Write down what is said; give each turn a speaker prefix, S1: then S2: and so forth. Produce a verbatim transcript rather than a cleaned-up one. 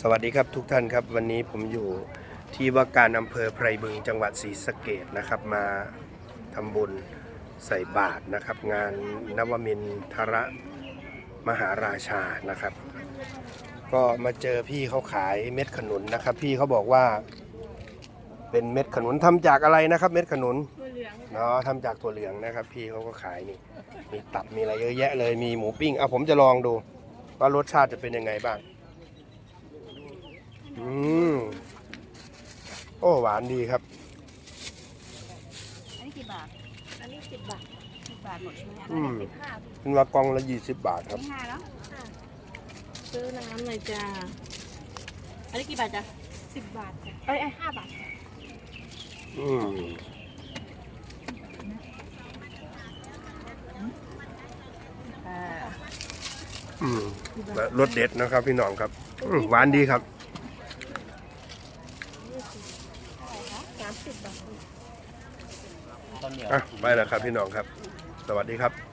S1: สวัสดีครับทุกท่านครับวันนี้ผมอยู่ที่ว่าการอำเภอไพรบึงจังหวัดศรีสะเกษนะครับมาทำบุญใส่บาตรนะครับงานนวมินทรมหาราชานะครับก็มาเจอพี่เขาขายเม็ดขนุนนะครับพี่เขาบอกว่าเป็นเม็ดขนุนทำจากอะไรนะครับเม็ดขนุน
S2: ถั่วเหลือง
S1: เนาะทำจากถั่วเหลืองนะครับพี่เขาก็ขายนี่มีตับมีอะไรเยอะแยะเลยมีหมูปิ้งเอาผมจะลองดูว่ารสชาติจะเป็นยังไงบ้างอืมโอ้หวานดีครับ
S2: อันนี้กี่บาทอันนี้สิบบาทสิบบาทหมดใช่ไหมอัน
S1: อื
S2: นี้
S1: ม
S2: สิบห้า
S1: เป็นว่ากล่องละยี่สิบบาทครับ
S2: นี่ห้าแล้วซื้อน้ำหน่อยจ้าอันนี้กี่บาทจ้ะสิบบาทจ้ะเอ้ยห้าบาท
S1: อืม
S2: อ่า
S1: อืมรสเด็ดนะครับพี่น้องครับอืมหวานดีครับ
S2: สามสิบบาท
S1: อ่ะไปแล้วครับพี่น้องครับ สวัสดีครับ